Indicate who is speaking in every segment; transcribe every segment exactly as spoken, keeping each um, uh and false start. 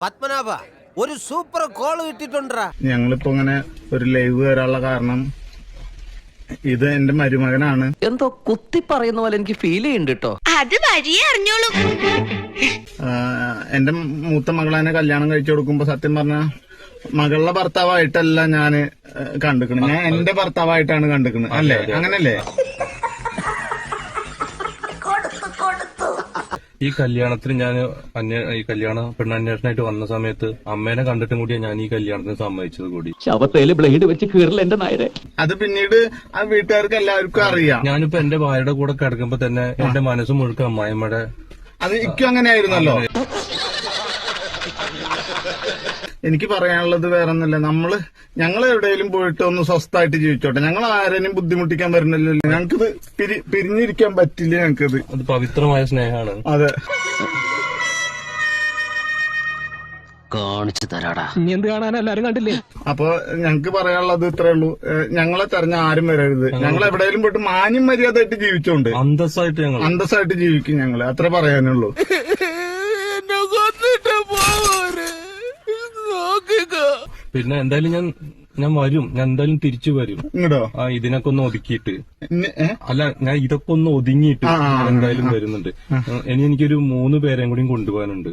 Speaker 1: പത്മനാഭ ഒരു super call കിട്ടിട്ടുണ്ടാ.
Speaker 2: ഞങ്ങളിപ്പോ ഇങ്ങനെ ഒരു ലൈവ് വരാനുള്ള കാരണം ഇത് എന്റെ മരുമകനാണ്.
Speaker 3: എന്തോ കുത്തി പറയുന്ന പോലെ എനിക്ക് ഫീൽ ചെയ്യുന്നുണ്ട് കേട്ടോ.
Speaker 4: അത് വഴിയേ അറിഞ്ഞോളൂ.
Speaker 2: എന്റെ മൂത്ത മകളെ കല്യാണം കഴിച്ചു കൊടുക്കുമ്പോ സത്യം പറഞ്ഞ മകളുടെ ഭർത്താവായിട്ടല്ല ഞാന് കണ്ടിക്കണത്, ഞാൻ എന്റെ ഭർത്താവായിട്ടാണ് കണ്ടിക്കണത്. അല്ലേ? അങ്ങനല്ലേ?
Speaker 5: ഈ കല്യാണത്തിന് ഞാൻ ഈ കല്യാണ പെണ്ണന്വേഷണമായിട്ട് വന്ന സമയത്ത് അമ്മേനെ കണ്ടിട്ടും കൂടിയാണ് ഞാൻ ഈ കല്യാണത്തിന് സമ്മതിച്ചത് കൂടി.
Speaker 3: ശവത്തേല് ബ്ലേഡ് വെച്ച് കീറില്ല എന്റെ നായരെ.
Speaker 2: അത് പിന്നീട് ആ വീട്ടുകാർക്ക് എല്ലാവർക്കും അറിയാം.
Speaker 5: ഞാനിപ്പോ എന്റെ ഭാര്യയുടെ കൂടെ കിടക്കുമ്പോ തന്നെ എന്റെ മനസ്സ് മുഴുക്ക അമ്മായിമ്മയുടെ.
Speaker 2: അത് ഇക്കും അങ്ങനെയായിരുന്നല്ലോ. എനിക്ക് പറയാനുള്ളത് വേറെ ഒന്നുമില്ല. നമ്മള് ഞങ്ങൾ എവിടെയെങ്കിലും പോയിട്ട് ഒന്ന് സ്വസ്ഥമായിട്ട് ജീവിച്ചോട്ടെ. ഞങ്ങൾ ആരെയും ബുദ്ധിമുട്ടിക്കാൻ വരുന്നില്ലല്ലോ. ഞങ്ങൾക്കിത് പിരി പിരിഞ്ഞിരിക്കാൻ പറ്റില്ല. ഞങ്ങൾക്കിത്
Speaker 5: അത് പവിത്രമായ സ്നേഹമാണ്.
Speaker 2: അതെ,
Speaker 3: കാണിച്ചു തരാടാ.
Speaker 6: എന്ത് കാണാൻ എല്ലാരും കണ്ടില്ലേ?
Speaker 2: അപ്പൊ ഞങ്ങക്ക് പറയാനുള്ളത് ഇത്രേ ഉള്ളൂ. ഞങ്ങളെ തെരഞ്ഞ ആരും വരരുത്. ഞങ്ങൾ എവിടെയെങ്കിലും പോയിട്ട് മാന്യം മര്യാദയായിട്ട് ജീവിച്ചോണ്ട്
Speaker 5: അന്തസ്സായിട്ട് ഞങ്ങൾ
Speaker 2: അന്തസ്സായിട്ട് ജീവിക്കും. ഞങ്ങള് അത്ര പറയാനുള്ളൂ.
Speaker 5: പിന്നെ എന്തായാലും ഞാൻ ഞാൻ വരും. ഞാൻ എന്തായാലും തിരിച്ചു വരും.
Speaker 2: ഇങ്ങടോ?
Speaker 5: ആ ഇതിനൊക്കെ ഒന്ന് ഒതുക്കിയിട്ട്.
Speaker 2: ഏ?
Speaker 5: അല്ല, ഞാൻ ഇതൊക്കെ ഒന്ന് ഒതുങ്ങിയിട്ട് ഞാൻ എന്തായാലും വരുന്നുണ്ട്. ഇനി എനിക്കൊരു മൂന്ന് പേരെയും കൂടി കൊണ്ടുപോകാനുണ്ട്.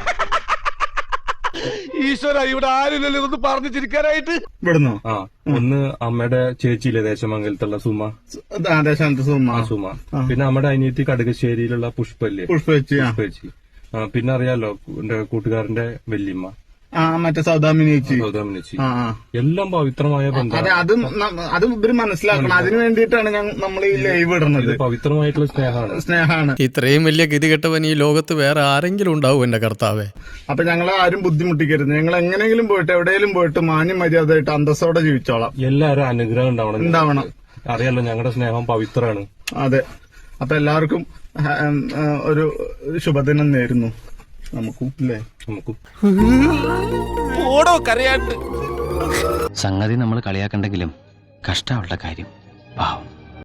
Speaker 6: ഈശ്വര, ഇവിടെ ആരില്ലല്ലോ ഇതൊന്ന് പറഞ്ഞു ചിരിക്കാനായിട്ട്.
Speaker 2: ഇവിടുന്നോ?
Speaker 5: ആ ഒന്ന് അമ്മയുടെ ചേച്ചിയിലെ ദേശമംഗലത്തുള്ള സുമ,
Speaker 2: ദേശാന്ത സുമ.
Speaker 5: ആ സുമ. പിന്നെ നമ്മുടെ അനിയത്തി കടുകശ്ശേരിയിലുള്ള പുഷ്പല്ലേ,
Speaker 2: പുഷ്പേച്ചി.
Speaker 5: പുഷ്പേച്ചി. പിന്നെ അറിയാലോ എന്റെ കൂട്ടുകാരന്റെ വല്യമ്മ,
Speaker 2: ആ മറ്റേ സൗദാമിനി ചേച്ചി.
Speaker 5: സൗദാമിനിച്ചി.
Speaker 2: ആ ആ
Speaker 5: എല്ലാം പവിത്രമായ ബന്ധം.
Speaker 2: അതെ, അത് ന- അത് ഇവര് മനസ്സിലാക്കണം. അതിനു വേണ്ടിയിട്ടാണ് നമ്മൾ ഈ ലൈവ് ഇടുന്നത്.
Speaker 5: പവിത്രമായിട്ടുള്ള സ്നേഹമാണ്.
Speaker 2: സ്നേഹമാണ്.
Speaker 7: ഇത്രയും വലിയ ഗതികെട്ടവൻ ഈ ലോകത്ത് വേറെ ആരെങ്കിലും ഉണ്ടാവും എന്റെ കർത്താവേ.
Speaker 2: അപ്പൊ ഞങ്ങളെ ആരും ബുദ്ധിമുട്ടിക്കരുത്. ഞങ്ങൾ എങ്ങനെയെങ്കിലും പോയിട്ട് എവിടെയെങ്കിലും പോയിട്ട് മാന്യം മര്യാദയായിട്ട് അന്തസ്സോടെ ജീവിച്ചോളാം.
Speaker 5: എല്ലാവരും അനുഗ്രഹം ഉണ്ടാവണം.
Speaker 2: ഉണ്ടാവണം.
Speaker 5: അറിയാലോ ഞങ്ങളുടെ സ്നേഹം പവിത്രമാണ്.
Speaker 2: അതെ. അപ്പൊ എല്ലാവർക്കും ഹ- ഉം, ആ, ഒരു ശുഭദിനം നേരുന്നു നമുക്കും, അല്ലേ?
Speaker 5: നമുക്കും
Speaker 1: ഓടോ കരയാണ്ട്.
Speaker 3: സംഗതി നമ്മൾ കളിയാക്കണ്ടെങ്കിലും കഷ്ടമുള്ള കാര്യം പാവം.